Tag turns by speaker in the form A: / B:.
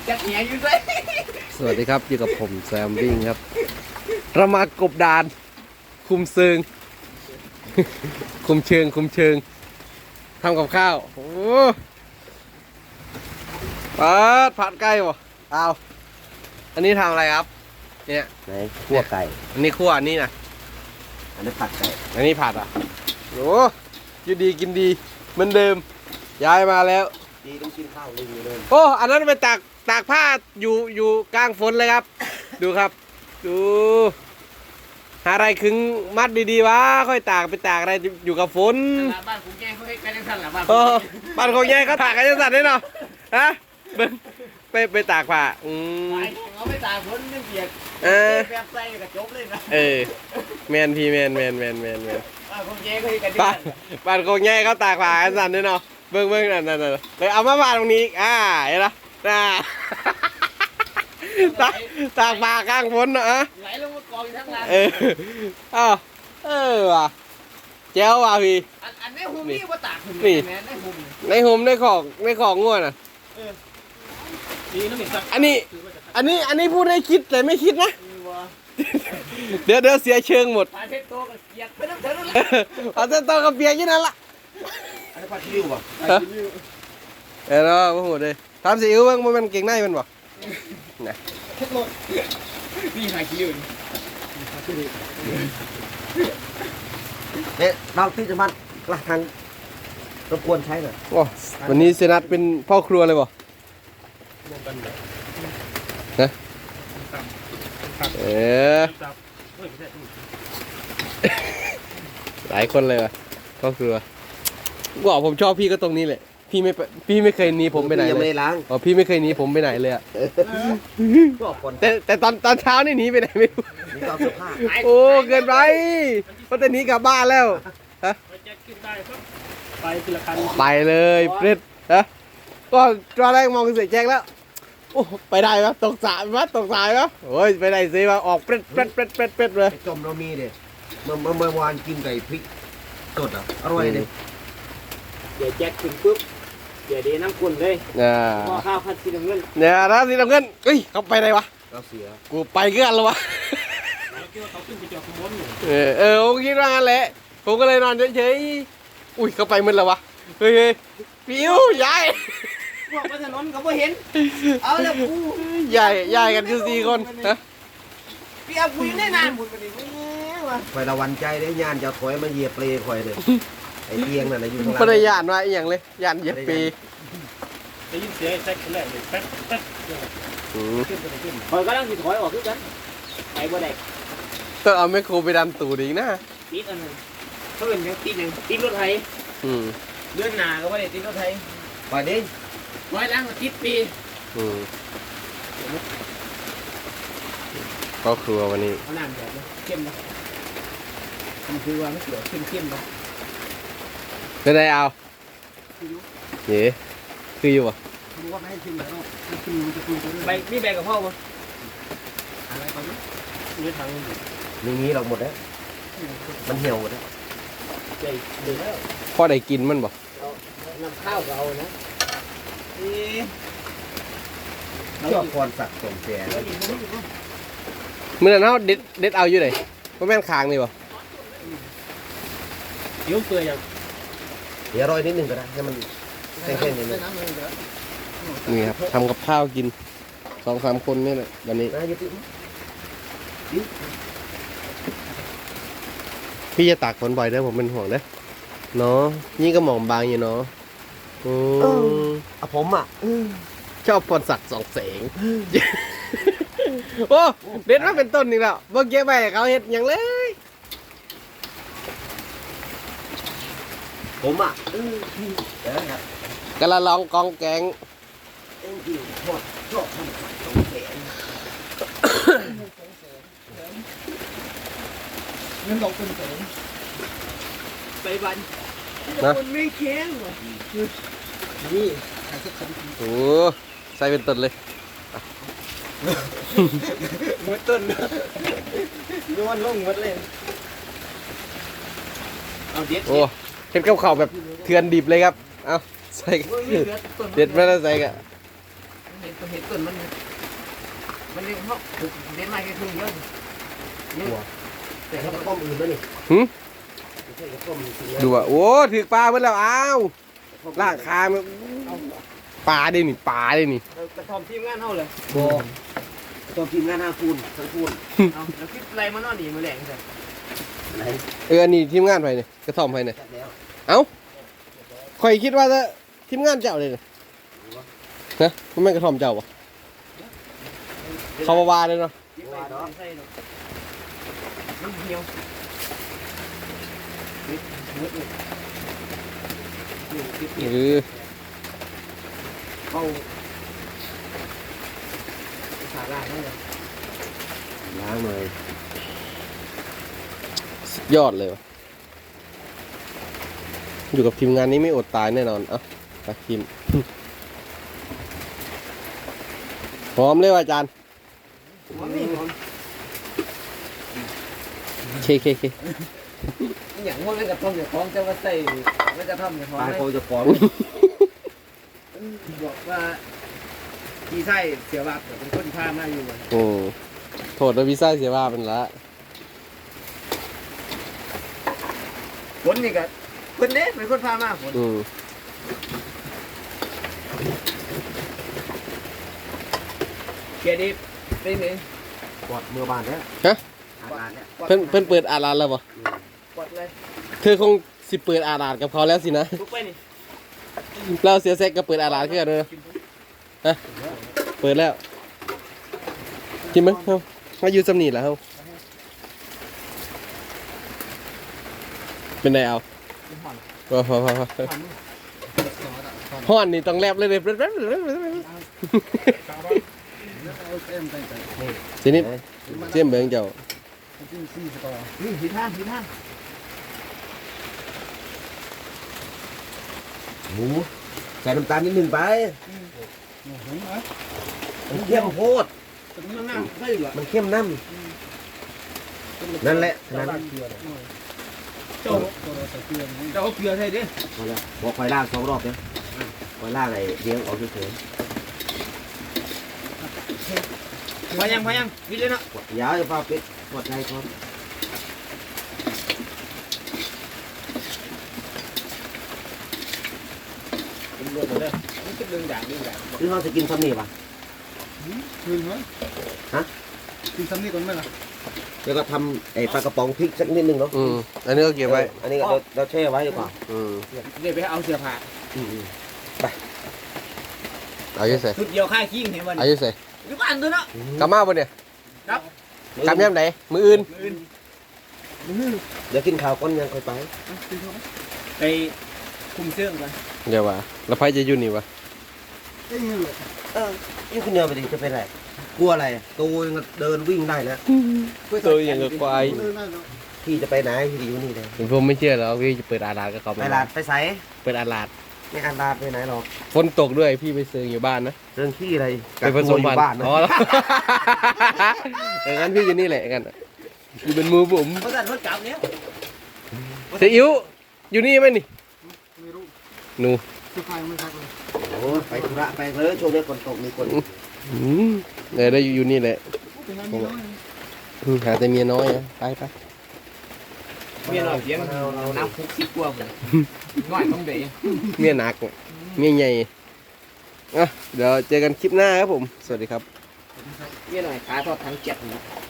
A: จักเหี้ยอยู่ด้วย
B: สวัสดีครับอยู่กับผมแซมวิ่งครับเรามากบดานคุมเชิง คุมเชิงทำกับข้าวโอ้ผัดไก่บ่เอาอันนี้ทำอะไรครับเนี่ย
A: ไหนคั่วไก่
B: อันนี้คั่วอันนี้นะ
A: อันนี้ผัดไก่
B: อันนี้ผัดอ่ะโอ้อยู่ดีกินดีเหมือนเดิมย้ายมาแล้ว
A: ดีต้องกินข้าวลิงอยู่เลย
B: โอ้อันนั้นไปตากผ้าอยู่กลางฝนเลยครับ ดูครับดูหาอะไรขึงมัดดีๆวะค่อยตากไปตากอะไรอยู่กับฝน
A: บ้านผมแกเขาให้กันยังสั่นหรอบ้าน
B: โอ้บ้านของแย่เขาตากกันยังสั่นได้เนาะฮะเบิ่งไปตากผ้า
A: เขาไม่ตากฝนไม่เปียกแบบใส่กระจบเลยนะ
B: แมนพี่แมน
A: บ้านผมแกเขาให้กัน
B: บ้านของแย่เขาตากผ้ากันสั่นได้เนาะเบิ่งนั่นเลยเอามาบ้านตรงนี้เห็นไหมตากผ้ากลางฝนเนาะ
A: ไหลลงมากองอยู่ทั้งร้าน
B: ว่ะแจ้วว่ะพี่
A: อันนี้หุ่มนี่ว่าตากหุ่มนี่
B: ในหุ่มในของง่วนอ่ะอันนี้พูดให้คิดแต่ไม่คิดนะเดี๋ยวเสียเชิงหมด
A: ปลาเทโตกับเปียกไปน้ำเถอะ
B: ปลาเทโตกับเปียกยี่นั่นละ
A: อันนี้ปลาชิวป่ะ
B: เนาะโอ้โหเลยทำซีอิ๊วบ้างมันเก่งในมันบ่นะ
A: นี่หาคิวเนี่ยเราที่จะมันกระทังรบกวนใช้หน่อย
B: โอ้วันนี้เซนัทเป็นพ่อครัวเลยบ่ฮะหลายคนเลยว่ะพ่อครัวว่าผมชอบพี่ก็ตรงนี้แหละพี่ไม่เคยหนีผมไปไหนเลยอ๋อพี่ไม่เคยหนีผมไปไหนเลยอ่ะแต่ตอนเช้านี่หนีไปไหนไม่รู้โอ้เกินไปเพราะแต่หนีกลับบ้านแล้วฮะไปเลยเปรตฮะก็ตอนแรกมองเสียแจ็คแล้วโอ้ไปได้ปะตกสายปะโอ้ยไปได้สิมาออกเปรตเลย
A: จมเรามีเด็ดเมื่อวานกินไก่พริกสดอ่ะอร่อยเลยเดี๋ยวแจ็คกินปุ๊บเดี๋ยวน้ำกุ่นเลยหม้อข้าวผัดสีน้ำเงิน
B: เนี่ยนะสีน้ำเงินเฮ้ยเขาไปไหนวะ
A: เราเสีย
B: กูไปเกือบแล้ววะผมคิดว่างั้นแหละผมก็เลยนอนเฉยๆอุ้ยเขาไปมึนแล้ววะเฮ้ยปิวยาย
A: พวกบนถนนเขาไม่เห็นเอาแล้วกู
B: ยายกันอยู่4 คนฮะ
A: พี่เอากูอยู่ในนานหมดไปดิคอยระวันใจได้ยานจะถอยมาเหยียบเปลคอยเลยไอ้เตียงนั่นอยู่ข้างล่าง
B: ไม่ได้ยานว่าอย่างเลยยานเหยียบปี
A: ได้ยินเสียงแท็กแรกเลยแป๊กคอยก็ต้องถอยออกด้วยกันไอ้บ่ได้
B: ต้องเอาแมคโครไปดันตูดอีกนะ
A: ติดอันนึงเพิ่นยังติดรถไถเดือนหน้าก็ไม่ได้ติดรถไถไปดิร้อยล้างติดปี
B: ก็ครัววันนี้
A: เอาน้ำแบบเข้มนะมันคือว่าไม่เกี่ยวเข้มๆนะ
B: ไม่ได้เอาเย้คืออยู่ป่ะ
A: รู้ว่าไม่ให้ชิมแล้วชิมมันจะคุยกันใบมีแบกกับพ่อป่ะอะไรตอนนี้นี่ทางนี้เราหมดแล้วมันเหี่ยวหมดแล้วใหญ่ดีแล้ว
B: พ่อได้กินมันป่ะ
A: น้ำข้าวก็เอานะชอบพรสักสมแสน
B: เมื่อนั้นเขาเด็ดเอาอยู่ไหนว่าแม่นคางนี่ป่ะ
A: ยิ้วเปื่อยอย่างเดี๋ยวรอยนิดหนึ่งก็ได้ให้มันแข็งๆนิดนึง
B: นี่ครับทำกับข้าวกิน2-3 คนนี่แหละวันนี้พี่จะตากฝนบ่อยเด้อผมเป็นห่วงเด้อเนาะนี่ก็หมองบางอยู่เนาะ
A: ผมอ่ะ
B: ชอบพรศักดิ์สองแสงโอ้เด็ดมาเป็นต้นนี่แล้วเมื่อกี้ไปเขาเห็ดอย่างเลย
A: ผมอ่ะ
B: กระลองกองแกง
A: ชอบทำสองแสนเงินบอกเป็นแสนไปบันนะคนไม่แข็งว่ะนี่
B: โอ้ใส่เป็นต้นเลย
A: หมดต้นย้อนลงหมดเลยเอาเด็ด
B: โอ้เห็นกับข้าวแบบเถื่อนดิบเลยครับเอาใส่เด็ดไม่ได้ใส่กะ
C: มันเห็นต้นมันเลี้ยงเขาเลี้ยงไม้แค่ครึ่งเยอะนี่แต่
A: แต่
C: เขา
A: ถ้าต้มอื่นแล้วนี่ไม่ใช่ต้มจริงๆ
B: ดูอ่ะโอ้ถือปลาเมื่อแล้วอ้าวล่างคามันปลาได้นี่ปลาได้นี่
C: กระทอมทีมงานเขาเลย
A: โบต้มทีมงาน5 คูณทั้งคูณ
C: เอาแล้วคิดอะไรมานอนดีมาแหลงใช่
A: ไหน
B: อันนี้ทีมงานไปเนี่ยกระท่อมไปเนี่ย
A: จัดแล้ว
B: ข่อยคิดว่าจะทีมงานเจ้าเลยนะมันไม่กระท่อมเจ้าปะเขาว่าเลยเนาะ
C: มันเหี่ยวเข้าขาล่างนั่นเลย
A: ล้างเลย
B: สุดยอดเลยวะอยู่กับทีมงานนี้ไม่อดตายแน่นอนเอ้าตาคิมพร้อมเลยว่ะอาจารย์เค
C: อย่างพวกนั้นกระทอมอย่าคล้องจะมาใส่ไม่กระทอมอย่าคล้อง
A: ปลา
C: เลย
A: เขาจะฟ้อง
C: บอกว่าพี่ไส้เสียบาปเป็นคนพามาอยู่
B: โอ้โทษนะวีซ่าเสียว่าเป็นละ
C: คนนี่ก็คนเด้เป็นคนพามาคน เกียรติเป็นไง
A: กดมือบานแล้ว
B: ฮะ
A: อาบานแล้ว
B: เพิ่นเปิดอาร้านแล้วปะ
C: กดเลย
B: เธอคงสิเปิดอาร้านกับเขาแล้วสินะ
C: ลุกไปนี่
B: เราเสียแซกก็เปิดอาร้านขึ้นกันเลยฮะเปิดแล้วกินมั้ยเฮ้ามาอยู่สำนีแล้วเฮ้าเป็นไงเอาพอห้อนนี่ต้องแลบเลยทีนี้เจียมเบืองเจ้า
C: นี่ผิดท่า
A: หมูใส่น้ำตาลนิดนึงไปมันเข้มโพด
C: มันน่าใช่เหรอ
A: มันเข้มน้ำนั่นแหละนั่น
C: เจ้าเอาเกลือใส่ดิ
A: พอแล้วบอกคอยล่าง2 รอบเนี่ยคอยล่างไอ้เลี้ยงออกเฉย
C: พอยังวิดเลยเนาะ
A: ๆยาวจะฟ้าปิดกดใจก่อน
C: เป็นเรื่องเลยนี่เป็นเรื่องอย่าง
A: คือเราจะกินซ้ำนี่ป่ะ
D: คืนไหม
A: ฮะ
D: กินซ้ำนี่ก่อนไหมล่ะ
A: แล้วก็ทำไอ้ปลากระป๋องพริกสักนิดนึงเนาะ
B: อันนี้ก็เก็บไว้
A: อันนี้ก็เราแช่ไว้ดีกว่า
C: เดี๋ยวไปเอาเสื้อผ้า
B: เอาอยู่ใส่
C: ชุดเดียวค่ายขี้เห็นวัน
B: เอาอยู่ใส่
C: อยู่บ้านตัวเนาะ
B: กลับมาบ่เนี่ย
C: ครับ
B: กลับยามไหนมืออื่น
A: เดี๋ยวกินข้าวก้อนยังค่อยไป
C: ไปคุมเสื้อกัน
B: เดี๋ยวว่าแล้วไผจะอยู่นี่วะ
D: เอ้ยเนี่ยเลย
A: ยิ่งขึ้นเดินไปดิจะเป็นไรกลัวอะไรตัวยังเดินวิ่งได้แล้ว
B: ตัวอย่างกับควาย
D: เดินได้แล้ว
A: พี่จะไปไหนพี่อยู่นี่เลย
B: ผมไม่เชื่อแล้วพี่จะเปิดอาลาดกับเขา
A: ไปลาดไปใส
B: เปิดอาลาด
A: ไม่อันลาดไปไหนหรอก
B: ฝนตกด้วยพี่ไปเซิงอยู่บ้านนะ
A: เรื่องขี้อะไร
B: ไปผสมพัน
A: บ้าน
B: ธุ์
A: นะ
B: อ๋ออย่างนั้นพี่อยู่นี่แหละกันอยู่เป็นมือผม
C: เพราะสั่นรถกลับเนี้ย
B: เสียอิ๋วอยู่นี่ไหมนี่
D: ไม่รู้
B: หนู
D: สุดท้ายไม่พักเลย
A: โอ้ไปธุระไปเลยช่วงนี้ฝนตกมีคน
B: ได้อยู่นี่แหละ
D: เป็นงานมีน้อย
B: หาแต่เมียน้อยนะไป
C: เมียหน่อยเพียงน้ำคุกคิดกลัวผมง่อยต้องเดย์
B: เมียหนักเมียใหญ่เดี๋ยวเจอกันคลิปหน้าครับผมสวัสดีครับ
C: เมียหน่อยขาทอดทั้งเจ็ดนะ